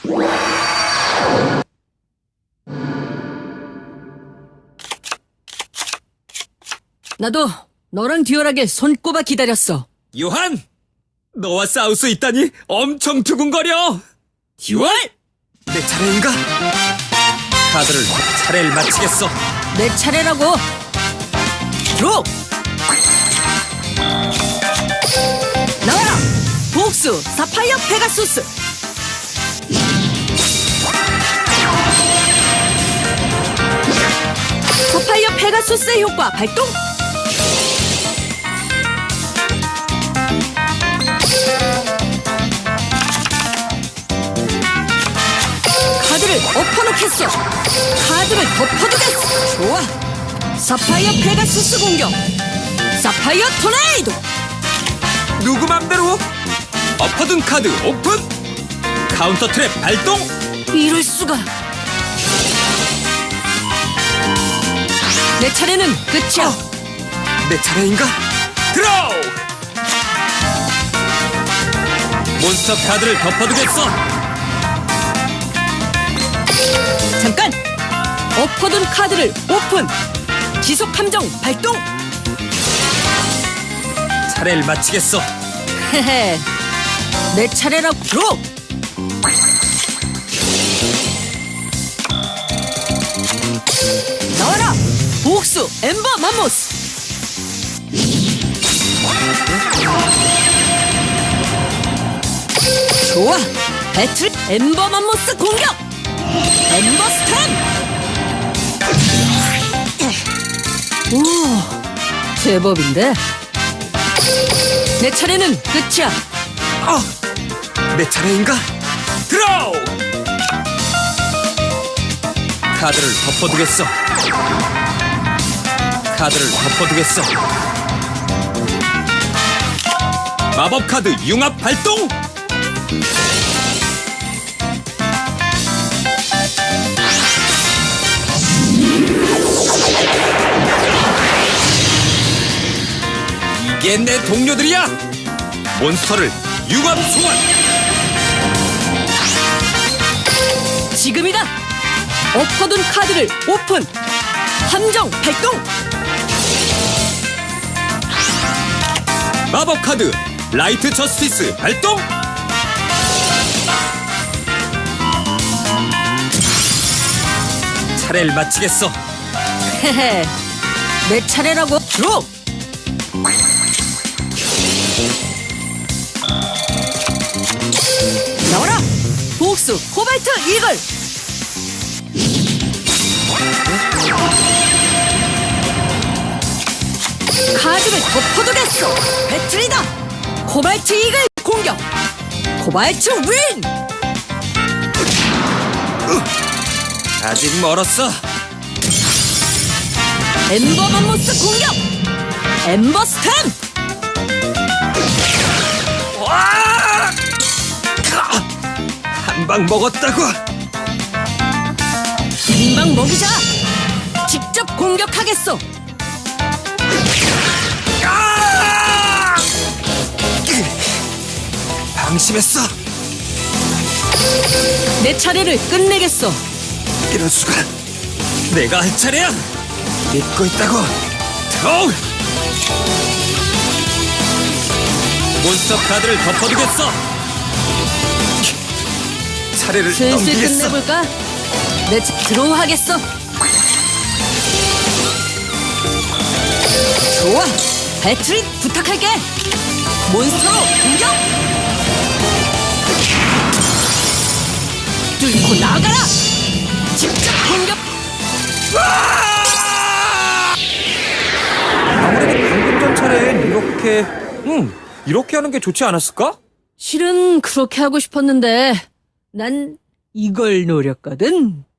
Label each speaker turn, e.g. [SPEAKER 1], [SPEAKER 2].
[SPEAKER 1] 나도 너랑 듀얼하게 손꼽아 기다렸어.
[SPEAKER 2] 요한! 너와 싸울 수 있다니 엄청 두근거려! 듀얼! 내 차례인가? 카드를 차례를 마치겠어.
[SPEAKER 1] 내 차례라고. 드로! 나와라! 복수 사파이어 페가수스! 사파이어 페가수스의 효과 발동! 카드를 엎어놓겠어! 카드를 덮어두겠어! 좋아! 사파이어 페가수스 공격! 사파이어 토네이도!
[SPEAKER 2] 누구 맘대로? 엎어둔 카드 오픈! 카운터 트랩 발동!
[SPEAKER 1] 이럴 수가! 내 차례는 끝이야!
[SPEAKER 2] 내 차례인가? 드로우! 몬스터 카드를 덮어두겠어!
[SPEAKER 1] 잠깐! 엎어둔 카드를 오픈! 지속 함정 발동!
[SPEAKER 2] 차례를 마치겠어.
[SPEAKER 1] 헤헤, 내 차례라고. 드로! 나와라! 복수 엠버 맘모스! 좋아! 배틀 엠버 맘모스 공격! 엠버 스탬! 오, 제법인데? 내 차례는 끝이야.
[SPEAKER 2] 내 차례인가? 드로우! 카드를 덮어두겠어. 카드를 덮어두겠어. 마법 카드 융합 발동! 이게 내 동료들이야! 몬스터를 융합 소환!
[SPEAKER 1] 지금이다! 엎어둔 카드를 오픈! 함정 발동!
[SPEAKER 2] 마법 카드 라이트 저스티스 발동! 차례를 마치겠어.
[SPEAKER 1] 헤헤, 내 차례라고. 드로! 나와라! 복수 코발트 이글! 카드를 덮어두겠어! 배틀이다! 코발트 이글 공격! 코발트 윈!
[SPEAKER 2] 아직 멀었어.
[SPEAKER 1] 엠버 맘모스 공격! 엠버 스탬!
[SPEAKER 2] 한 방 먹었다고.
[SPEAKER 1] 금방 먹이자! 직접 공격하겠어!
[SPEAKER 2] 방심했어.
[SPEAKER 1] 내 차례를 끝내겠어!
[SPEAKER 2] 이럴 수가. 내가 할 차례야. 믿고 있다고. 드로우! 몬스터 카드를 덮어두겠어. 차례를
[SPEAKER 1] 슬슬
[SPEAKER 2] 넘기겠어.
[SPEAKER 1] 끝내볼까? 드로우 하겠어! 좋아! 배틀이 부탁할게! 몬스터로 공격! 뚫고 나가라! 직접 공격!
[SPEAKER 2] 아무래도 방금 전 차례엔 이렇게 하는 게 좋지 않았을까?
[SPEAKER 1] 실은 그렇게 하고 싶었는데 난 이걸 노렸거든.